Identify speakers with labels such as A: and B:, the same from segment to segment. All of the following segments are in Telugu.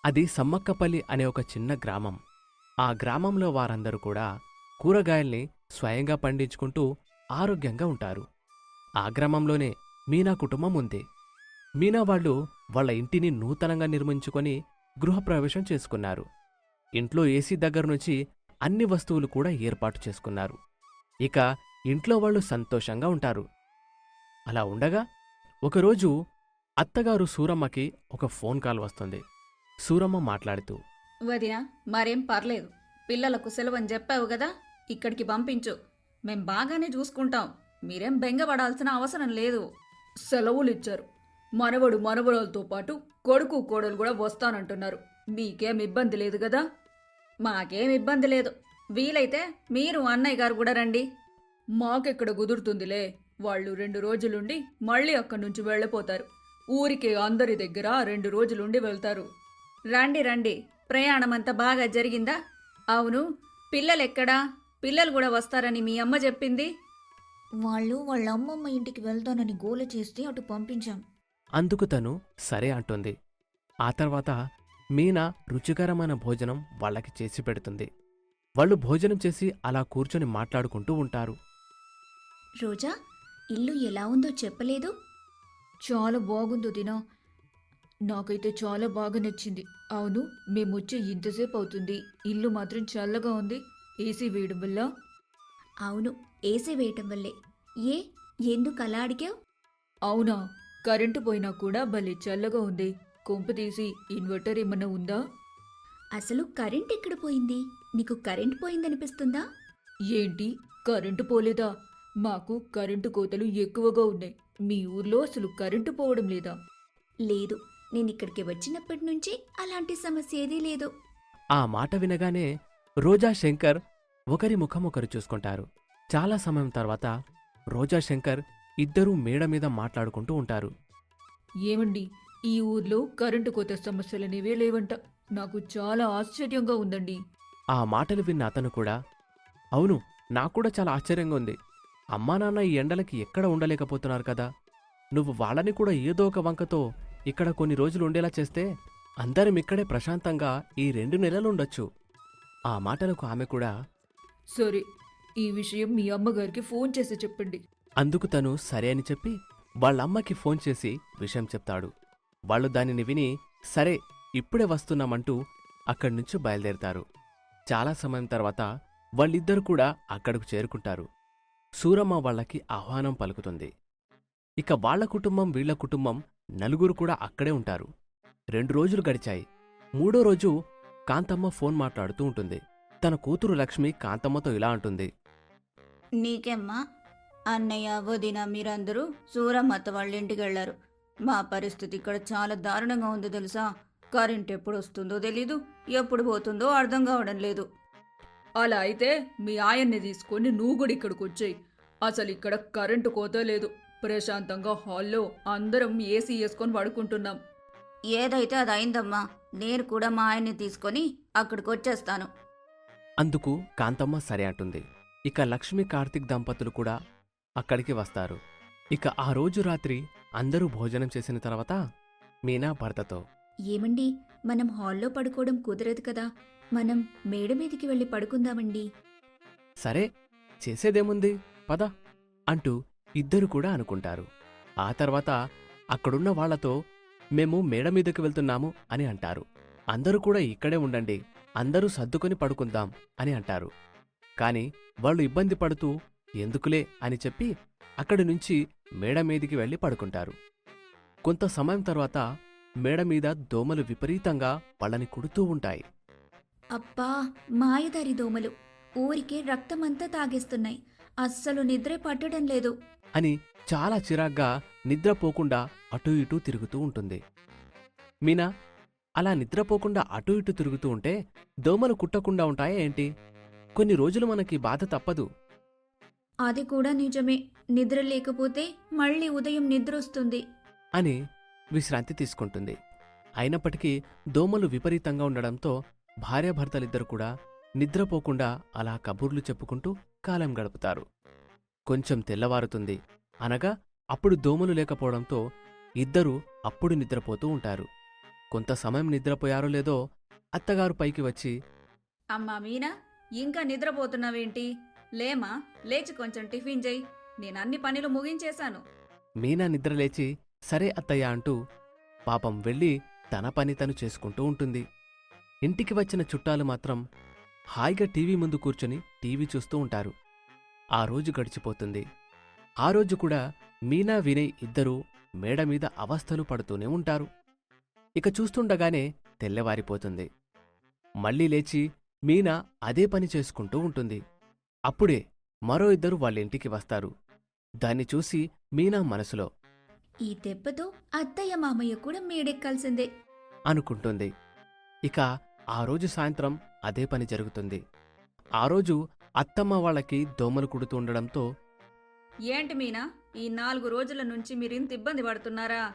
A: అది సమ్మక్కపల్లి అనే ఒక చిన్న గ్రామం. ఆ గ్రామంలో వారందరూ కూడా కూరగాయల్ని స్వయంగా పండించుకుంటూ ఆరోగ్యంగా ఉంటారు. ఆ గ్రామంలోనే మీనా కుటుంబం ఉంది. మీనా వాళ్ళు వాళ్ళ ఇంటిని నూతనంగా నిర్మించుకొని గృహప్రవేశం చేసుకున్నారు. ఇంట్లో ఏసీ దగ్గర నుంచి అన్ని వస్తువులు కూడా ఏర్పాటు చేసుకున్నారు. ఇక ఇంట్లో వాళ్ళు సంతోషంగా ఉంటారు. అలా ఉండగా ఒకరోజు అత్తగారు సూరమ్మకి ఒక ఫోన్ కాల్ వస్తుంది. సూరమ్మ మాట్లాడుతూ,
B: వదినా, మరేం పర్లేదు. పిల్లలకు సెలవని చెప్పావు కదా, ఇక్కడికి పంపించు. మేం బాగానే చూసుకుంటాం. మీరేం బెంగపడాల్సిన అవసరం లేదు. సెలవులిచ్చారు. మనవడు మనవరాలతో పాటు కొడుకు కోడలు కూడా వస్తానంటున్నారు. మీకేం ఇబ్బంది లేదు కదా? మాకేం ఇబ్బంది లేదు. వీలైతే మీరు అన్నయ్య గారు కూడా రండి. మాకెక్కడ కుదురుతుందిలే. వాళ్ళు 2 రోజులుండి మళ్ళీ అక్కడి నుంచి వెళ్ళిపోతారు. ఊరికే అందరి దగ్గర 2 రోజులుండి వెళ్తారు. రండి రండి. ప్రయాణమంతా బాగా జరిగిందా? అవును, పిల్లలెక్కడా? పిల్లలు కూడా వస్తారని మీ అమ్మ చెప్పింది.
C: వాళ్ళు వాళ్ళ అమ్మమ్మ ఇంటికి వెళ్తానని గోల చేస్తే అటు పంపించాం.
A: అందుకు తను సరే అంటుంది. ఆ తర్వాత మీనా రుచికరమైన భోజనం వాళ్ళకి చేసి పెడుతుంది. వాళ్ళు భోజనం చేసి అలా కూర్చొని మాట్లాడుకుంటూ ఉంటారు.
C: రోజా, ఇల్లు ఎలా ఉందో చెప్పలేదు?
B: చాలా బాగుందో దినా. నాకైతే చాలా బాగా నచ్చింది. అవును, మేమొచ్చి ఇంతసేపు అవుతుంది. ఇల్లు మాత్రం చల్లగా ఉంది. ఏసీ వేయడం వల్ల.
C: అవును, ఏసీ వేయటం వల్లే. ఏ ఎందుకు అలా అడిగావు?
B: అవునా, కరెంటు పోయినా కూడా భలే చల్లగా ఉంది. కొంప తీసి ఇన్వర్టర్ ఏమన్నా ఉందా?
C: అసలు కరెంట్ ఎక్కడ పోయింది? నీకు కరెంట్ పోయిందనిపిస్తుందా?
B: ఏంటి, కరెంటు పోలేదా? మాకు కరెంటు కోతలు ఎక్కువగా ఉన్నాయి. మీ ఊర్లో అసలు కరెంటు పోవడం లేదా?
C: లేదు, నేనిక్కడికి వచ్చినప్పటి నుంచి అలాంటి సమస్య ఏదీ లేదు.
A: ఆ మాట వినగానే రోజా శంకర్ ఒకరి ముఖం ఒకరు చూసుకుంటారు. చాలా సమయం తర్వాత రోజా శంకర్ ఇద్దరూ మేడ మీద మాట్లాడుకుంటూ ఉంటారు.
B: ఏమండి, ఈ ఊర్లో కరెంటు కోత సమస్యలనేవే లేవంట. నాకు చాలా ఆశ్చర్యంగా ఉందండి.
A: ఆ మాటలు విన్న అతను కూడా, అవును, నాక్కూడా చాలా ఆశ్చర్యంగా ఉంది. అమ్మా నాన్న ఈ ఎండలకి ఎక్కడ ఉండలేకపోతున్నారు కదా. నువ్వు వాళ్ళని కూడా ఏదో ఒక వంకతో ఇక్కడ కొన్ని రోజులు ఉండేలా చేస్తే అందరం ఇక్కడే ప్రశాంతంగా ఈ 2 నెలలు ఉండొచ్చు. ఆ మాటలకు ఆమె కూడా,
B: సరే, ఈ విషయం మీ అమ్మగారికి ఫోన్ చేసి చెప్పండి.
A: అందుకు తను సరే అని చెప్పి వాళ్ళమ్మకి ఫోన్ చేసి విషయం చెప్తాడు. వాళ్ళు దానిని విని సరే ఇప్పుడే వస్తున్నామంటూ అక్కడ్నుంచి బయలుదేరతారు. చాలా సమయం తర్వాత వాళ్ళిద్దరూ కూడా అక్కడకు చేరుకుంటారు. సూరమ్మ వాళ్ళకి ఆహ్వానం పలుకుతుంది. ఇక వాళ్ళ కుటుంబం వీళ్ల కుటుంబం నలుగురు కూడా అక్కడే ఉంటారు. 2 రోజులు గడిచాయి. 3వ రోజు కాంతమ్మ ఫోన్ మాట్లాడుతూ ఉంటుంది. తన కూతురు లక్ష్మి కాంతమ్మతో ఇలా అంటుంది.
C: నీకెమ్మా, అన్నయ్య వదిన మీరందరూ సూరమ్మత్త వాళ్ళ ఇంటికి వెళ్లారు. మా పరిస్థితి ఇక్కడ చాలా దారుణంగా ఉంది తెలుసా. కరెంట్ ఎప్పుడు వస్తుందో తెలీదు, ఎప్పుడు పోతుందో అర్థం కావడం లేదు. అలా అయితే మీ ఆయన్ని తీసుకొని నువ్వు కూడా ఇక్కడికి వచ్చేయి. అసలు ఇక్కడ కరెంటు కోత లేదు. ప్రశాంతంగా హాల్లో అందరం ఏసీ వేసుకొని పడుకుంటున్నాం. ఏదైతే అది అయిందమ్మా. నేను కూడా మా ఆయన్ని తీసుకొని అక్కడికి వచ్చేస్తాను.
A: అందుకు కాంతమ్మ సరే అంటుంది. ఇక లక్ష్మి కార్తీక్ దంపతులు కూడా అక్కడికి వస్తారు. ఇక ఆ రోజు రాత్రి అందరూ భోజనం చేసిన తర్వాత మీనా భర్తతో,
C: ఏమండి, మనం హాల్లో పడుకోవడం కుదరదు కదా. మనం మేడ మీదికి వెళ్ళి పడుకుందామండి.
A: సరే చేసేదేముంది పద అంటూ ఇద్దరు కూడా అనుకుంటారు. ఆ తర్వాత అక్కడున్న వాళ్లతో మేము మేడ మీదకి వెళ్తున్నాము అని అంటారు. అందరూ కూడా ఇక్కడే ఉండండి, అందరూ సర్దుకొని పడుకుందాం అని అంటారు. కాని వాళ్ళు ఇబ్బంది పడుతూ ఎందుకులే అని చెప్పి అక్కడి నుంచి మేడ మీదికి వెళ్లి పడుకుంటారు. కొంత సమయం తర్వాత మేడ మీద దోమలు విపరీతంగా వాళ్ళని కుడుతూ ఉంటాయి.
C: అబ్బా, మాయదారి దోమలు ఊరికే రక్తమంతా తాగేస్తున్నాయి. అస్సలు నిద్రే పట్టడం లేదు.
A: అని చాలా చిరాగ్గా నిద్రపోకుండా అటూ ఇటూ తిరుగుతూ ఉంటుంది. మీనా అలా నిద్రపోకుండా అటూ ఇటూ తిరుగుతూ ఉంటే దోమలు కుట్టకుండా ఉంటాయా ఏంటి? కొన్ని రోజులు మనకి బాధ తప్పదు
C: అది కూడా నిజమే. నిద్ర లేకపోతే మళ్ళీ ఉదయం నిద్రొస్తుంది
A: అని విశ్రాంతి తీసుకుంటుంది. అయినప్పటికీ దోమలు విపరీతంగా ఉండడంతో భార్యాభర్తలిద్దరు కూడా నిద్రపోకుండా అలా కబుర్లు చెప్పుకుంటూ కాలం గడుపుతారు. కొంచెం తెల్లవారుతుంది. అనగా అప్పుడు దోమలు లేకపోవడంతో ఇద్దరూ అప్పుడు నిద్రపోతూ ఉంటారు. కొంత సమయం నిద్రపోయారో లేదో అత్తగారు పైకి వచ్చి,
B: అమ్మా మీనా, ఇంకా నిద్రపోతున్నావేంటి? లేమా, లేచి కొంచెం టిఫిన్ చెయ్యి. నేనన్ని పనులు ముగించేశాను.
A: మీనా నిద్రలేచి సరే అత్తయ్య అంటూ పాపం వెళ్ళి తన పని తను చేసుకుంటూ ఉంటుంది. ఇంటికి వచ్చిన చుట్టాలు మాత్రం హాయిగా టీవీ ముందు కూర్చొని టీవీ చూస్తూ ఉంటారు. ఆ రోజు గడిచిపోతుంది. ఆ రోజు కూడా మీనా వినయ్ ఇద్దరూ మేడ మీద అవస్థలు పడుతూనే ఉంటారు. ఇక చూస్తుండగానే తెల్లవారిపోతుంది. మళ్ళీ లేచి మీనా అదే పని చేసుకుంటూ ఉంటుంది. అప్పుడే మరో ఇద్దరు వాళ్ళింటికి వస్తారు. దాన్ని చూసి మీనా మనసులో
C: ఈ దెబ్బతో అత్తయ్య మామయ్య కూడా మేడెక్కాల్సిందే
A: అనుకుంటుంది. ఇక ఆ రోజు సాయంత్రం అదే పని జరుగుతుంది. ఆ రోజు అత్తమ్మ వాళ్ళకి దోమలు కుడుతూ ఉండడంతో,
B: ఏంటి మీనా, ఈ 4 రోజుల నుంచి మీరింత ఇబ్బంది పడుతున్నారా?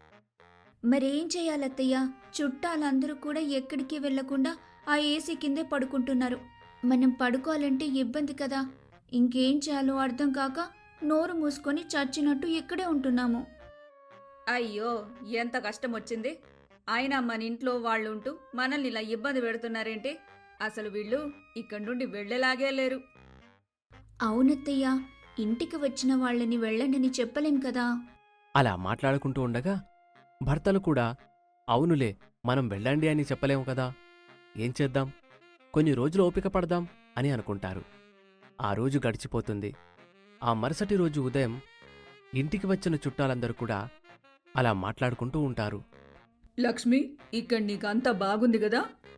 C: మరేం చేయాలత్తయ్య? చుట్టాలందరూ కూడా ఎక్కడికి వెళ్లకుండా ఆ ఏసీ కిందే పడుకుంటున్నారు. మనం పడుకోవాలంటే ఇబ్బంది కదా. ఇంకేం చేయాలో అర్థం కాక నోరు మూసుకొని చచ్చినట్టు ఇక్కడే ఉంటున్నాము.
B: అయ్యో, ఎంత కష్టం వచ్చింది. అయినా మన ఇంట్లో వాళ్ళుంటూ మనల్ని ఇలా ఇబ్బంది పెడుతున్నారేంటి? అసలు వీళ్ళు ఇక్కడి నుండి వెళ్ళేలాగే లేరు.
C: అవునత్తయ్య, ఇంటికి వచ్చిన వాళ్ళని వెళ్ళండని చెప్పలేం కదా.
A: అలా మాట్లాడుకుంటూ ఉండగా భర్తలు కూడా అవునులే, మనం వెళ్ళండి అని చెప్పలేము కదా, ఏం చేద్దాం, కొన్ని రోజులు ఓపిక పడదాం అని అనుకుంటారు. ఆ రోజు గడిచిపోతుంది. ఆ మరుసటి రోజు ఉదయం ఇంటికి వచ్చిన చుట్టాలందరూ కూడా అలా మాట్లాడుకుంటూ ఉంటారు.
B: లక్ష్మి, ఇక్కడ నీకంతా బాగుంది కదా?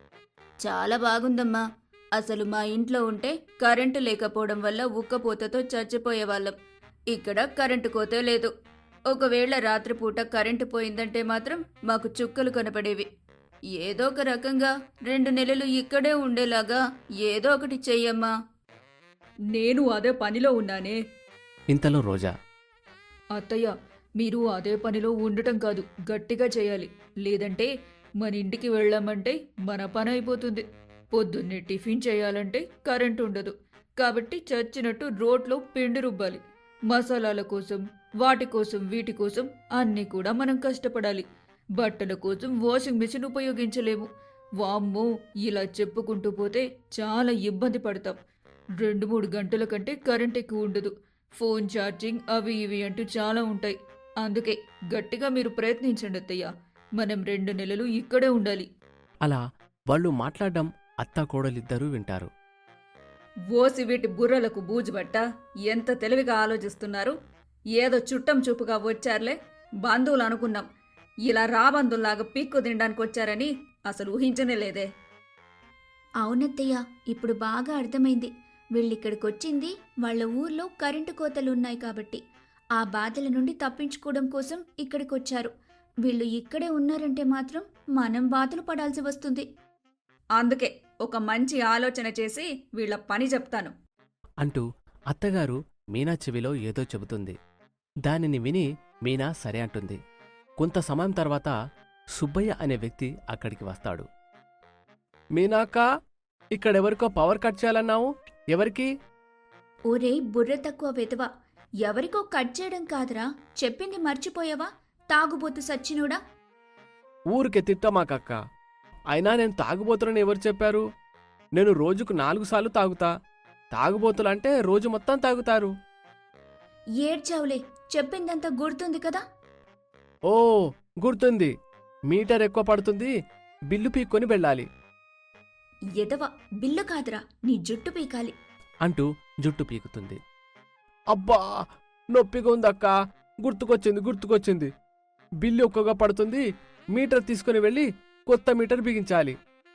C: చాలా బాగుందమ్మా. అసలు మా ఇంట్లో ఉంటే కరెంటు లేకపోవడం వల్ల ఉక్కపోతతో చచ్చిపోయేవాళ్ళం. ఇక్కడ కరెంటు కోతే లేదు. ఒకవేళ రాత్రిపూట కరెంటు పోయిందంటే మాత్రం మాకు చుక్కలు కనపడేవి. ఏదో ఒక రకంగా 2 నెలలు ఇక్కడే ఉండేలాగా ఏదో ఒకటి చెయ్యమ్మా.
B: నేను అదే పనిలో ఉన్నానే.
A: ఇంతలో రోజా,
B: అత్తయ్య, మీరు అదే పనిలో ఉండటం కాదు, గట్టిగా చేయాలి. లేదంటే మన ఇంటికి వెళ్ళామంటే మన పని అయిపోతుంది. పొద్దున్నే టిఫిన్ చేయాలంటే కరెంట్ ఉండదు. కాబట్టి చచ్చినట్టు రోడ్లో పిండి రుబ్బాలి. మసాలాల కోసం, వాటి కోసం, వీటి కోసం అన్నీ కూడా మనం కష్టపడాలి. బట్టల కోసం వాషింగ్ మిషన్ ఉపయోగించలేము. వామ్మో, ఇలా చెప్పుకుంటూ పోతే చాలా ఇబ్బంది పడతాం. 2-3 గంటల కంటే కరెంట్ ఎక్కువ ఉండదు. ఫోన్ ఛార్జింగ్ అవి ఇవి అంటూ చాలా ఉంటాయి. అందుకే గట్టిగా మీరు ప్రయత్నించండి అత్తయ్య. మనం 2 నెలలు ఇక్కడే ఉండాలి.
A: అలా వాళ్ళు మాట్లాడడం అత్తా కోడలిద్దరూ వింటారు.
B: ఓసి వీటి బుర్రలకు బూజుబట్ట, ఎంత తెలివిగా ఆలోచిస్తున్నారు. ఏదో చుట్టం చూపుగా వచ్చారులే, బంధువులు అనుకున్నాం. ఇలా రాబంధుల్లాగా పీక్కు తినడానికి వచ్చారని అసలు ఊహించనే లేదే.
C: అవునత్తయ్య, ఇప్పుడు బాగా అర్థమైంది. వీళ్ళిక్కడికొచ్చింది వాళ్ళ ఊర్లో కరెంటు కోతలున్నాయి కాబట్టి ఆ బాధల నుండి తప్పించుకోవడం కోసం ఇక్కడికొచ్చారు. వీళ్ళు ఇక్కడే ఉన్నారంటే మాత్రం మనం బాధలు పడాల్సి వస్తుంది.
B: అందుకే ఒక మంచి ఆలోచన చేసి వీళ్ళ పని చెప్తాను
A: అంటూ అత్తగారు మీనా చెవిలో ఏదో చెబుతుంది. దానిని విని మీనా సరే అంటుంది. కొంత సమయం తర్వాత సుబ్బయ్య అనే వ్యక్తి అక్కడికి వస్తాడు. మీనాక్క, ఇక్కడెవరికో పవర్ కట్ చేయాలన్నావు, ఎవరికి?
C: ఒరే బుర్ర తక్కువ వెధవ, ఎవరికో కట్ చేయడం కాదురా, చెప్పింది మర్చిపోయావా? తాగుబోతు సచ్చినోడా.
A: ఊరికే తిట్టమాకక్క. అయినా నేను తాగుబోతులని ఎవరు చెప్పారు? నేను రోజుకు 4 సార్లు తాగుతా. తాగుబోతులంటే రోజు మొత్తం తాగుతారు.
C: ఏడ్చావులే, చెప్పిందంతా గుర్తుంది కదా.
A: ఓ, గుర్తుంది. మీటర్ ఎక్కువ పడుతుంది, బిల్లు పీక్కొని వెళ్ళాలి
C: ఎదవ, బిల్లు కాదురా, నీ జుట్టు పీకాలి
A: అంటూ జుట్టు పీకుతుంది. అబ్బా, నొప్పిగా ఉందక్క. గుర్తుకొచ్చింది. బిల్లు ఎక్కువగా పడుతుంది, మీటర్ తీసుకుని వెళ్ళి కొత్త మీటర్ బిగించాలి.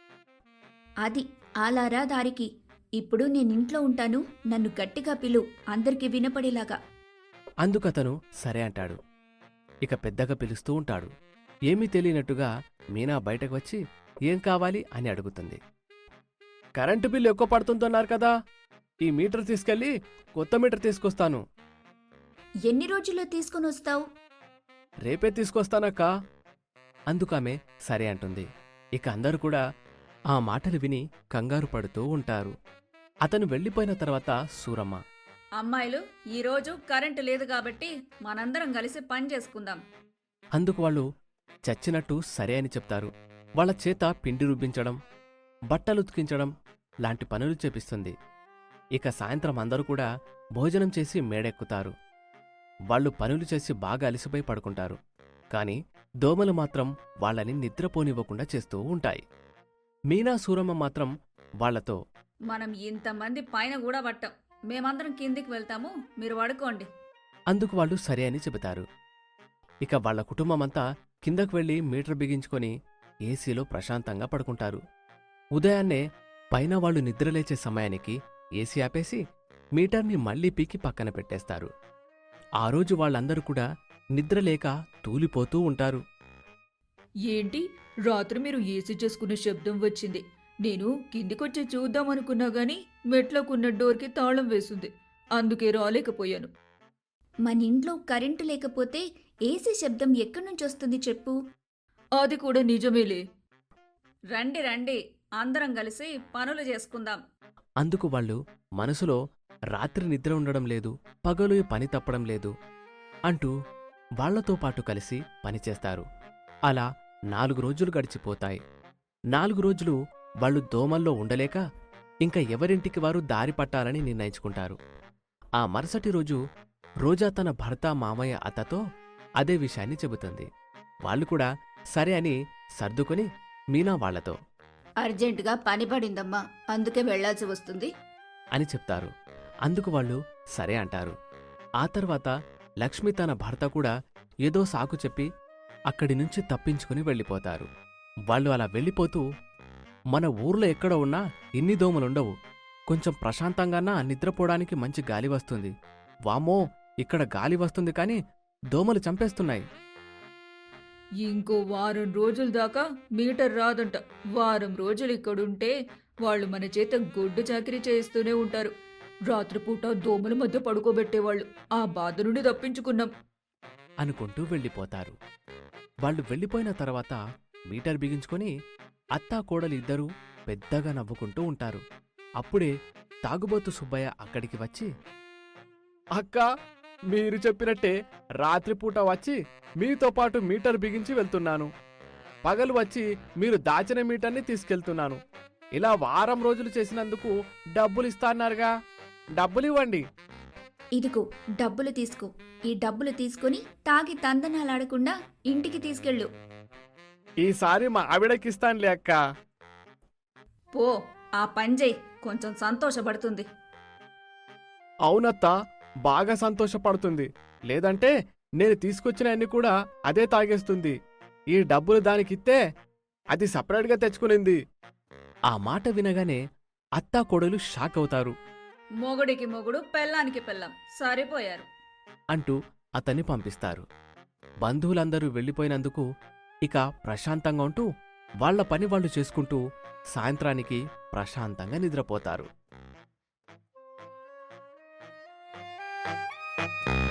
C: అది అలారా దారికి. ఇప్పుడు నేనింట్లో ఉంటాను, నన్ను గట్టిగా పిలు, అందరికీ వినపడేలాగా.
A: అందుకతను సరే అంటాడు. ఇక పెద్దగా పిలుస్తూ ఉంటాడు. ఏమీ తెలియనట్టుగా మీనా బయటకు వచ్చి ఏం కావాలి అని అడుగుతుంది. కరెంటు బిల్లు ఎక్కువ పడుతుందన్నారు కదా, ఈ మీటర్ తీసుకెళ్ళి కొత్త మీటర్ తీసుకొస్తాను.
C: ఎన్ని రోజుల్లో తీసుకొని వస్తావు?
A: రేపే తీసుకొస్తానక్క. అందుకామె సరే అంటుంది. ఇక అందరూ కూడా ఆ మాటలు విని కంగారు పడుతూ ఉంటారు. అతను వెళ్ళిపోయిన తర్వాత సూరమ్మ,
B: అమ్మాయిలు, ఈరోజు కరెంటు లేదు కాబట్టి మనందరం కలిసి పని చేసుకుందాం.
A: అందుకు వాళ్ళు చచ్చినట్టు సరే అని చెప్తారు. వాళ్ళ చేత పిండి రుబ్బించడం, బట్టలు ఉతికించడం లాంటి పనులు చేపిస్తుంది. ఇక సాయంత్రం అందరూ కూడా భోజనం చేసి మేడెక్కుతారు. వాళ్ళు పనులు చేసి బాగా అలసిపోయి పడుకుంటారు. కాని దోమలు మాత్రం వాళ్ళని నిద్రపోనివ్వకుండా చేస్తూ ఉంటాయి. మీనా సూరమ్మ మాత్రం వాళ్లతో,
B: మనం ఇంతమంది పైన కూడా పట్టాం. మేమందరం కిందికి వెళ్తాము, మీరు పడుకోండి.
A: అందుకు వాళ్ళు సరే అని చెబుతారు. ఇక వాళ్ళ కుటుంబమంతా కిందకు వెళ్లి మీటర్ బిగించుకొని ఏసీలో ప్రశాంతంగా పడుకుంటారు. ఉదయాన్నే పైన వాళ్ళు నిద్రలేచే సమయానికి ఏసీ ఆపేసి మీటర్ని మళ్లీ పీకి పక్కన పెట్టేస్తారు. ఆ రోజు వాళ్ళందరూ కూడా నిద్రలేక తూలిపోతూ ఉంటారు.
B: ఏంటి, రాత్రి మీరు ఏసీ చేసుకున్న శబ్దం వచ్చింది. నేను కిందికొచ్చి చూద్దామనుకున్నా గాని మెట్లకున్న డోర్కి తాళం వేసింది. అందుకే రాలేకపోయాను.
C: మన ఇంట్లో కరెంటు లేకపోతే ఏసీ శబ్దం ఎక్కడి నుంచి వస్తుంది చెప్పు?
B: అది కూడా నిజమేలే. రండి రండి, అందరం కలిసి పనులు చేసుకుందాం.
A: అందుకు వాళ్ళు మనసులో రాత్రి నిద్ర ఉండడం లేదు, పగలు పని తప్పడం లేదు అంటూ వాళ్లతో పాటు కలిసి పనిచేస్తారు. అలా 4 రోజులు గడిచిపోతాయి. 4 రోజులు వాళ్ళు దోమల్లో ఉండలేక ఇంక ఎవరింటికి వారు దారి పట్టాలని నిర్ణయించుకుంటారు. ఆ మరుసటి రోజు రోజా తన భర్త, మామయ్య, అత్తతో అదే విషయాన్ని చెబుతుంది. వాళ్ళు కూడా సరే అని సర్దుకొని మీనా వాళ్లతో
C: అర్జెంటుగా పని పడిందమ్మా, అందుకే వెళ్లాల్సి వస్తుంది
A: అని చెప్తారు. అందుకు వాళ్ళు సరే అంటారు. ఆ తర్వాత లక్ష్మి తన భర్త కూడా ఏదో సాకు చెప్పి అక్కడి నుంచి తప్పించుకుని వెళ్ళిపోతారు. వాళ్ళు అలా వెళ్ళిపోతూ, మన ఊర్లో ఎక్కడ ఉన్నా ఇన్ని దోమలుండవు, కొంచెం ప్రశాంతంగానా నిద్రపోవడానికి మంచి గాలి వస్తుంది. వామ్మో, ఇక్కడ గాలి వస్తుంది కాని దోమలు చంపేస్తున్నాయి.
B: ఇంకో వారం రోజుల దాకా మీటర్ రాదంట. వారం రోజులు ఇక్కడుంటే వాళ్ళు మన చేత గొడ్డు చాకిరీ చేయిస్తూనే ఉంటారు. రాత్రిపూట దోమల మధ్య పడుకోబెట్టేవాళ్ళు. ఆ బాధ నుండి తప్పించుకున్నాం
A: అనుకుంటూ వెళ్ళిపోతారు. వాళ్ళు వెళ్ళిపోయిన తర్వాత మీటర్ బిగించుకొని అత్తా కోడలు ఇద్దరూ పెద్దగా నవ్వుకుంటూ ఉంటారు. అప్పుడే తాగుబోతు సుబ్బయ్య అక్కడికి వచ్చి, అక్కా, మీరు చెప్పినట్టే రాత్రిపూట వచ్చి మీతో పాటు మీటర్ బిగించి వెళ్తున్నాను. పగలు వచ్చి మీరు దాచిన మీటర్ని తీసుకెళ్తున్నాను. ఇలా వారం రోజులు చేసినందుకు డబ్బులు ఇస్తాన్నారుగా, డబ్బులివ్వండి.
C: ఇదిగో డబ్బులు తీసుకో. ఈ డబ్బులు తీసుకుని తాగి తందనాలాడకుండా ఇంటికి తీసుకెళ్ళు.
A: ఈసారి మా ఆవిడకిస్తానులే అక్క.
B: పో, ఆ పంజయ్ కొంచెం సంతోషపడుతుంది.
A: అవునత్తా, బాగా సంతోషపడుతుంది. లేదంటే నేను తీసుకొచ్చిన అన్ని కూడా అదే తాగేస్తుంది. ఈ డబ్బులు దానికిస్తే అది సపరేట్గా తెచ్చుకునింది. ఆ మాట వినగానే అత్తా కోడలు షాక్ అవుతారు.
B: మొగుడికి మొగుడు, పెళ్ళానికి పెళ్ళాం సరిపోయారు
A: అంటూ అతన్ని పంపిస్తారు. బంధువులందరూ వెళ్ళిపోయినందుకు ఇక ప్రశాంతంగా ఉంటూ వాళ్ల పని వాళ్ళు చేసుకుంటూ సాయంత్రానికి ప్రశాంతంగా నిద్రపోతారు.